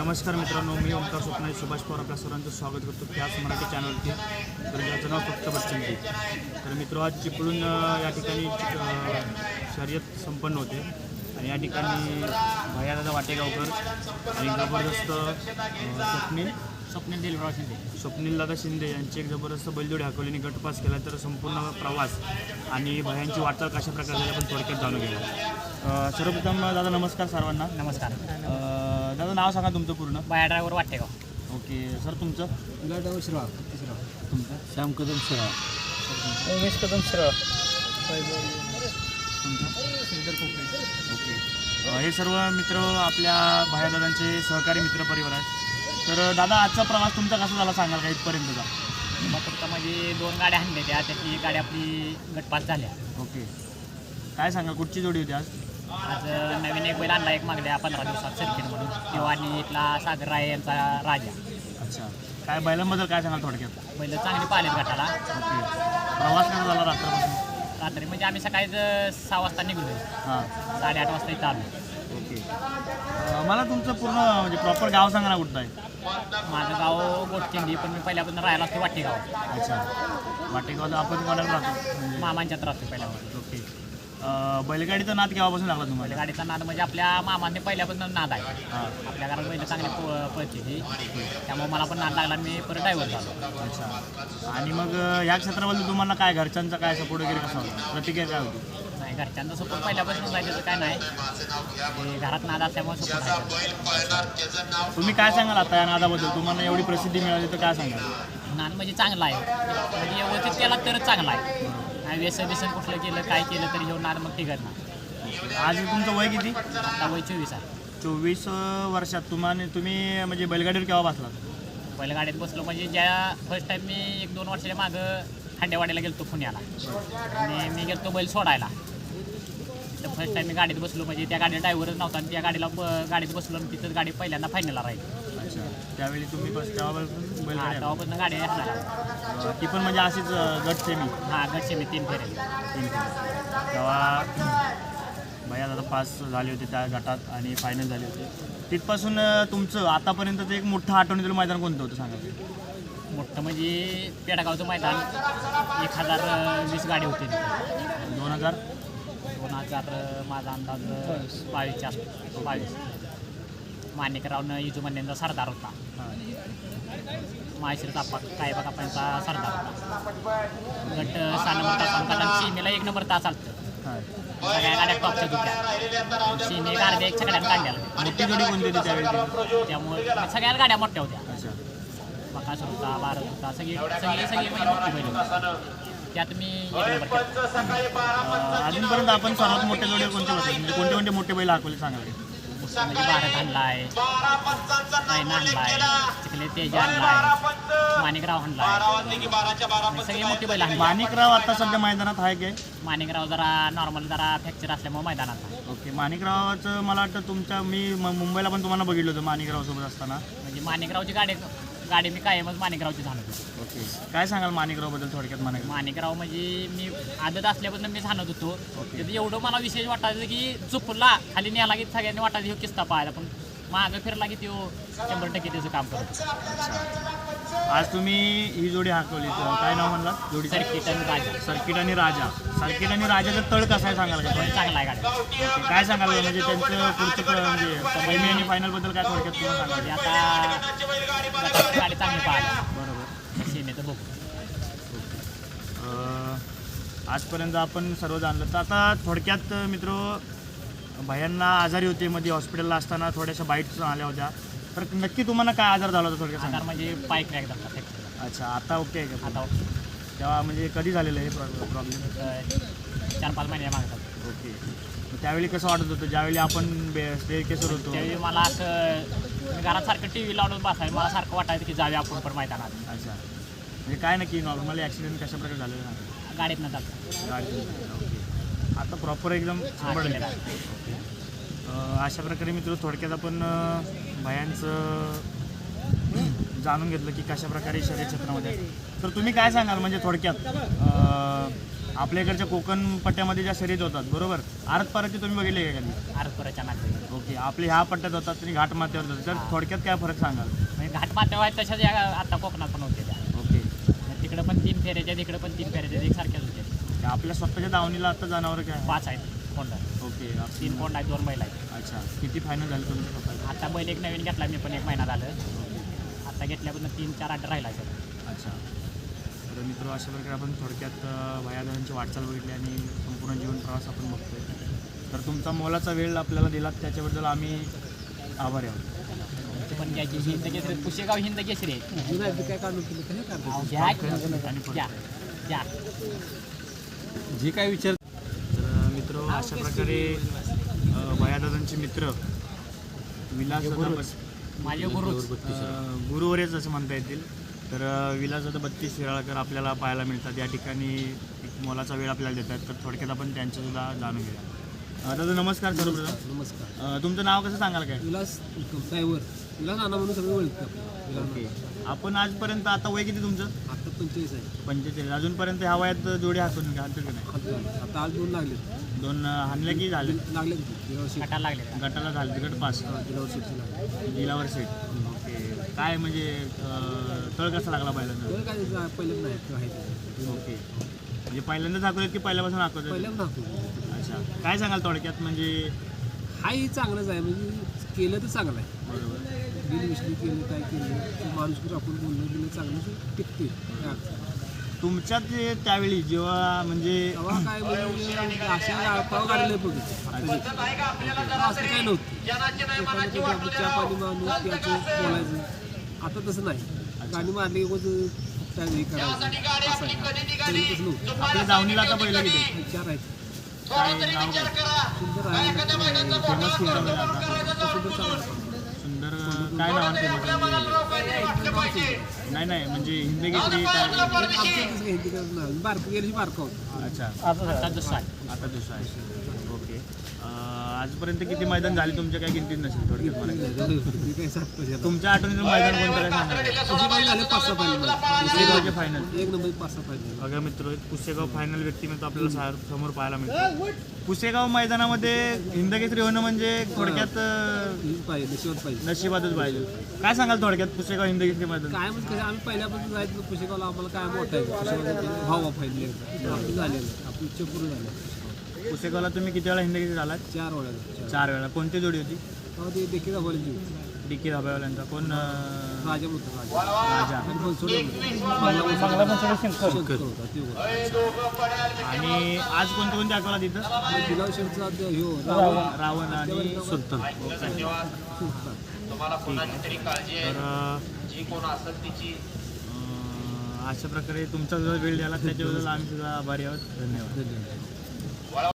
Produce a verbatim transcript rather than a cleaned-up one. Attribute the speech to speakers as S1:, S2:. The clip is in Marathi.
S1: नमस्कार मित्रांनो, मी ओंकार स्वप्नाली सुभाष पवार आपल्या सर्वांचं स्वागत करतो त्याच मराठी चॅनलवरती. तर ज्याचं नाव फक्त बच्चनजी. तर मित्र आज चिपळूण या ठिकाणी शर्यत संपन्न होते आणि या ठिकाणी भैयादादा वाटेगावकर आणि जबरदस्त स्वप्नील
S2: स्वप्नील दिलराव शिंदे
S1: स्वप्नील दादा शिंदे यांची एक जबरदस्त बैलजोडी हाकवलीने गटपास केला. तर संपूर्ण प्रवास आणि भयांची वाटचाल कशा प्रकारे झाली आपण थोडक्यात जाणून घेऊया. सर्वप्रथम दादा नमस्कार सर्वांना.
S2: नमस्कार.
S1: दादा नाव सांगा तुमचं पूर्ण.
S2: बाया ड्रायव्हर वाटेगाव.
S1: ओके सर, तुमचं?
S3: गडाव शिराळ.
S1: तुमचं?
S3: श्याम कदम शिराळ.
S2: उमेश कदम शिराळ.
S1: तुमचं? ओके. हे सर्व मित्र आपल्या भैयादादांचे सहकारी मित्रपरिवार आहेत. तर दादा आजचा प्रवास तुमचा कसा झाला सांगाल का इथपर्यंतचा?
S2: मग फक्त म्हणजे दोन गाड्या आणल्या त्या त्यातली गाडी आपली गटपास झाल्या.
S1: ओके. काय सांगा कुठची जोडी होती आज?
S2: आज नवीन एक बैल आणला एक मागल्या पंधरा दिवसात सर्किट म्हणून किंवा आणि इथला सागर राय यांचा राजा.
S1: अच्छा. काय बैलांबद्दल काय सांगाल थोडक्यात?
S2: बैल चांगली पाहिलेत गटाला.
S1: ओके. प्रवास कसा झाला रात्रपासून?
S2: रात्री म्हणजे आम्ही सकाळीच सहा वाजता निघलो.
S1: हां.
S2: साडेआठ वाजता इथं आलो.
S1: ओके. मला तुमचं पूर्ण म्हणजे प्रॉपर गाव सांगा ना कुठं आहे?
S2: माझं गाव गोटकिंडी, पण मी पहिल्यापासून राहायला असतो वाटेगाव.
S1: अच्छा. वाटेगावला आपण कोणाला राहतो? म्हणजे
S2: मामांच्यात राहतो पहिल्यापासून.
S1: ओके. बैलगाडीचा नाद केव्हापासून लागला तुम्हाला?
S2: गाडीचा नाद म्हणजे आपल्या मामांनी पहिल्यापासून नाद आहे.
S1: हां.
S2: आपल्या घरात बैल चांगली प पळते ती, त्यामुळे मला पण नाद लागला. मी परत ड्रायव्हर झालो.
S1: अच्छा. आणि मग या क्षेत्राबद्दल तुम्हाला काय घरच्यांचा काय सपोर्ट वगैरे कसा होता? प्रतिक्रिया काय होती?
S2: नाही, घरच्यांचा सपोर्ट पहिल्यापासून नाही, त्याचं काय नाही. ते घरात नाद असल्यामुळे सपोर्ट आहे.
S1: तुम्ही काय सांगाल आता या नादाबद्दल? तुम्हाला एवढी प्रसिद्धी मिळाली तर काय सांगाल?
S2: नाद म्हणजे चांगला आहे, म्हणजे व्यवस्थित केला तरच चांगला आहे. नाही व्यसन व्यसन कुठलं केलं काय केलं तरी घेऊन नाद मग टिकत नाही.
S1: आज तुमचं वय किती?
S2: आता वय चोवीस आहे.
S1: चोवीस वर्षात तुम्हाला तुम्ही म्हणजे बैलगाडीवर केव्हा बसलात?
S2: बैलगाडीत बसलो म्हणजे ज्या फर्स्ट टाईम मी एक दोन वर्षाच्या मागं खांडेवाडीला गेलो पुण्याला आणि मी गेलो बैल सोडायला. तर फर्स्ट टाईम मी गाडीत बसलो म्हणजे त्या गाडीला ड्रायव्हरच नव्हता आणि त्या गाडीला ब गाडीत बसलो आणि तिथंच गाडी पहिल्यांदा फायनलला राहिली.
S1: अच्छा. त्यावेळी तुम्ही बस तेव्हापासून बैलगाडी
S2: तेव्हापासून गाडी असणार.
S1: आहे. ती पण म्हणजे अशीच गट सेमी?
S2: हां, गटचे मी तीन फेरेल.
S1: तीन तेव्हा भैया दादा पास झाले होते त्या गटात आणि फायनल झाले होते. तिथपासून तुमचं आतापर्यंतचं एक मोठं आठवणीतील मैदान कोणतं होतं सांगा?
S2: मोठं म्हणजे पेडगावचं मैदान. एक हजार वीस गाडी होती तिथे.
S1: दोन हजार
S2: दोन हजार माझा अंदाज बावीसच्या आसपास. बावीस. माणिकरावनं इजुमन्यांचा सरदार होता. माहेश्वर तापा काय बघा आपणचा सरदार होता. गट सहा नंबर तास गटात सीमेला एक नंबर तास चालतं. सगळ्या गाड्या टॉपच्या दुट्या. सीमे गाड्या एक सगळ्यात काढल्या.
S1: मोठी जोडी कोणती होती त्यावेळी?
S2: त्यामुळे सगळ्याच गाड्या मोठ्या होत्या.
S1: अच्छा.
S2: बकासूर होता, भारत होता, सगळी सगळी सगळी म्हणजे मोठी बैल होती. त्यात मी एक नंबर केला.
S1: अजूनपर्यंत आपण सर्वात मोठ्या जोडी कोणते बसले म्हणजे कोणते कोणते मोठे बैल हाकवले सांगा?
S2: म्हणजे भारत आणलाय, पैना आणलाय, चिखले तेज आणलाय, माणिकराव आणलाय, सगळी मोठी बैल आणली.
S1: माणिकराव आता सध्या मैदानात आहे काय?
S2: माणिकराव जरा नॉर्मल जरा फ्रॅक्चर असल्यामुळे मैदानात आहे.
S1: ओके. माणिकरावाचं मला वाटतं तुमच्या मी म- मुंबईला पण तुम्हाला बघितलं होतं माणिकरावसोबत असताना.
S2: म्हणजे माणिकरावची गाडी गाडी मी कायमच माणिकरावची झालो.
S1: ओके. काय सांगाल माणिकरावबद्दल थोडक्यात? माणिक
S2: माणिकराव म्हणजे मी आदत असल्यापासून मी सांगत होतो. त्याचं एवढं मला विशेष वाटायचं की चुकला खाली न्यायला की सगळ्यांनी वाटायचं ह्यो किस्ता पाहायला, पण मागं फिरला की तो शंभर टक्के त्याचं काम करतो.
S1: आज तुम्ही ही जोडी हाकवली तर काय नाव म्हणला जोडी?
S2: सर्किट आणि राजा.
S1: सर्किट आणि राजा. सर्किट आणि राजाचा तळ कसा आहे सांगाल का?
S2: चांगला आहे गाडी.
S1: ओके. काय सांगाल म्हणजे त्यांचं पुढचं क- म्हणजे सेमी आणि फायनलबद्दल काय थोडक्यात तुम्हाला सांगाल?
S2: म्हणजे आता गटाची गाडी चांगली पाहिली.
S1: बरोबर.
S2: सीमेचं बघू.
S1: अं, आजपर्यंत आपण सर्व जाणलं तर आता थोडक्यात मित्र भयांना आजारी होते मध्ये हॉस्पिटलला असताना थोड्याशा बाईट्स आल्या होत्या. तर नक्की तुम्हाला काय आजार झाला होता थोडक्यात सांगा?
S2: आधार म्हणजे पाय क्रॅक झाला फ्रॅक्चर.
S1: अच्छा. आता ओके आहे का?
S2: आता
S1: तेव्हा म्हणजे कधी झालेलं आहे प्रॉब्लेम?
S2: चार पाच महिने मागतात.
S1: ओके. मग त्यावेळी कसं वाटत होतं ज्यावेळी आपण स्टेज केसर होतो?
S2: त्यावेळी मला असं मी घरात सारखं टी व्ही लावून बसायला मला सारखं वाटायचं की जाऊया आपण पण मैदानात.
S1: अच्छा. म्हणजे काय नक्की नॉर्मली ॲक्सिडेंट कशा प्रकारे झालेलं ना?
S2: गाडीत न जातात.
S1: गाडी. ओके. आता प्रॉपर एकदम शंभर टक्के. ओके. अशा प्रकारे मित्र थोडक्यात आपण भयांचं जाणून घेतलं की कशा प्रकारे शर्यत क्षेत्रामध्ये. तर तुम्ही काय सांगाल म्हणजे थोडक्यात आपल्या इकडच्या कोकण पट्ट्यामध्ये ज्या शर्यत होतात बरोबर, आरत पारतची तुम्ही बघितले का कधी?
S2: आरतपुराच्या नागरिक
S1: ओके, आपले ह्या पट्ट्यात होतात आणि घाट माथ्यावर होतात, तर थोडक्यात काय फरक सांगाल?
S2: म्हणजे घाट माथ्यावर आहेत तशाच या आता कोकणात पण होते त्या.
S1: ओके,
S2: तिकडं पण तीन फेऱ्याच्या तिकडं पण तीन फेऱ्याच्या एकसारख्याच होते.
S1: आपल्या स्वतःच्या दावणीला आता जनावर काय?
S2: पाच आहेत कोंड,
S1: ओके,
S2: तीन कोंड आहेत, दोन बैल आहेत.
S1: अच्छा, किती फायनल झाले तुमच्या स्वतः?
S2: आता बैल एक नवीन घेतला मी पण एक महिना झालं. आता घेतल्यापासून तीन चार आठ राहिला आहे.
S1: अच्छा, तर मित्र अशा प्रकारे आपण थोडक्यात भयादादांची वाटचाल बघितली आणि संपूर्ण जीवन प्रवास आपण बघतोय. तर तुमचा मोलाचा वेळ आपल्याला दिलात त्याच्याबद्दल आम्ही आभारी आहोत.
S2: ते पण घ्यायची हिंद केसरी, पुशेगाव हिंद केसरी आहे.
S3: जुना आहे, काय काढून केलं काय काढतो
S2: घ्या घ्या घ्या.
S3: जे काय विचार.
S1: तर मित्र अशा प्रकारे भयादादांचे मित्र विलासदादा बस
S2: माझे गुरु
S1: गुरुवरेच असं म्हणता येतील. तर विलासदादा बत्तीस शिराळकर आपल्याला पाहायला मिळतात या ठिकाणी. एक मोलाचा वेळ आपल्याला देतात, तर थोडक्यात आपण त्यांच्यासुद्धा जाणून घेऊया. अ, दादा नमस्कार सर्वप्रथम.
S3: नमस्कार.
S1: अ, तुमचं नाव कसं सांगाल काय?
S3: विलास ड्रायव्हर विलास नाना म्हणून सगळे ओळखतात.
S1: ओके, आपण आजपर्यंत आता वय किती तुमचं?
S3: आता पंचेचाळीस आहे.
S1: पंचेचाळीस. अजूनपर्यंत ह्या वयात जोडी हातून घालतो की नाही?
S3: आता आज दोन लागले
S1: दोन हाणले की झाले?
S3: लागले गेल्या वर्षी
S2: गटाला लागले.
S1: गटाला झाले, गट पास,
S3: गेल्या वर्षीचे लागले.
S1: जिल्हावर सेट. ओके, काय म्हणजे अ, तळ कसा लागला पहिल्यांदा?
S3: बरं काय जा- पहिल्यांदा नाही तो आहे.
S1: ओके, म्हणजे पहिल्यांदाच दाखवलेत की पहिल्यापासून दाखवतात?
S3: पहिल्यांदा दाखवतो.
S1: अच्छा, काय सांगाल थोडक्यात म्हणजे?
S3: हाही चांगलंच आहे, म्हणजे केलं तर चांगलं आहे.
S1: बरोबर.
S3: बिल विश्ली केलं काय केलं ते माणूस आपण बोलणं बिलणं चांगलं टिकते. काय अडचण नाही.
S1: तुमच्यात जे त्यावेळी जेव्हा म्हणजे
S3: तेव्हा काय म्हणजे अशा पाव काढले बघितलं असं काही नव्हतं. एखाद्याचं आपण चहा पाणी माणूस प्यायचं बोलायचं. आता तसं नाही. गाणी मारली की काय हे करायचं असं आहे. पहिलं तसं नव्हतं.
S1: आपल्या दावणीला आता पहिलं किती?
S3: चार आहेत.
S1: काय नाव काय?
S3: सुंदर आहे.
S1: फेमस केलं आता
S3: सुंदर चांगला
S1: सुंदर काय नाव फेमस? नाही नाही म्हणजे हिंदी केसरी काय?
S3: हिंदी करणार बारकं गेली बारकं होतं.
S1: अच्छा,
S2: आता दुसरा आहे.
S1: आता दुसरा आहे. ओके, अं, आजपर्यंत किती मैदान झाले तुमच्या काय गिनतीत नसेल थोडक्यात मला?
S3: मी काय सांगतो त्याला.
S1: तुमच्या आठवणीचं मैदान कोणतं काय सांगा?
S3: अशी काही झाले पाच सहा पाहिजे
S1: पुसेगावचे फायनल.
S3: एक नंबर पाच सहा पाहिजे.
S1: बघा मित्र, पुसेगाव फायनल व्यक्तिमत्व आपल्याला सा- समोर पाहायला मिळतं. पुसेगाव मैदानामध्ये हिंदकेसरी होणं म्हणजे थोडक्यात अं,
S3: हीच पाहिजे नशिबात पाहिजे.
S1: नशिबातच पाहिजे. काय सांगाल थोडक्यात पुसेगाव हिंदकेसरी मैदान?
S3: काय म्हणजे कसं आम्ही पहिल्यापासून जायचं पुशेगावला आम्हाला काय मोठा आहे पुशेगावला भाव पाहिजे एकदा आपलं झालेलं आपली इच्छा पूर्ण झाली.
S1: पुसेगावला तुम्ही किती वेळा हिंदकेसरी झालात?
S3: चार वेळा
S1: चार वेळा. कोणती जोडी होती?
S3: तेव्हा ते देखील दाखवले जीव
S1: डी के धाब्यावाल्यांचा कोण? अं,
S3: राजा होता राजा
S1: राजा.
S3: आणि बनसोडे होता. शंकर होता ते होता.
S1: आणि आज कोणते कोणते दाखवला तिथं?
S3: आणि गुलाबशेठचा जो ह्यो रावण
S1: रावण आणि
S3: सुलतान
S1: सुलतान.
S3: सुलतान.
S1: ठीक आहे. तर अं, अशा प्रकारे तुमचा जो वेळ द्याला त्याच्याबद्दल आम्ही सुद्धा आभारी आहोत. धन्यवाद.
S3: धन्यवाद.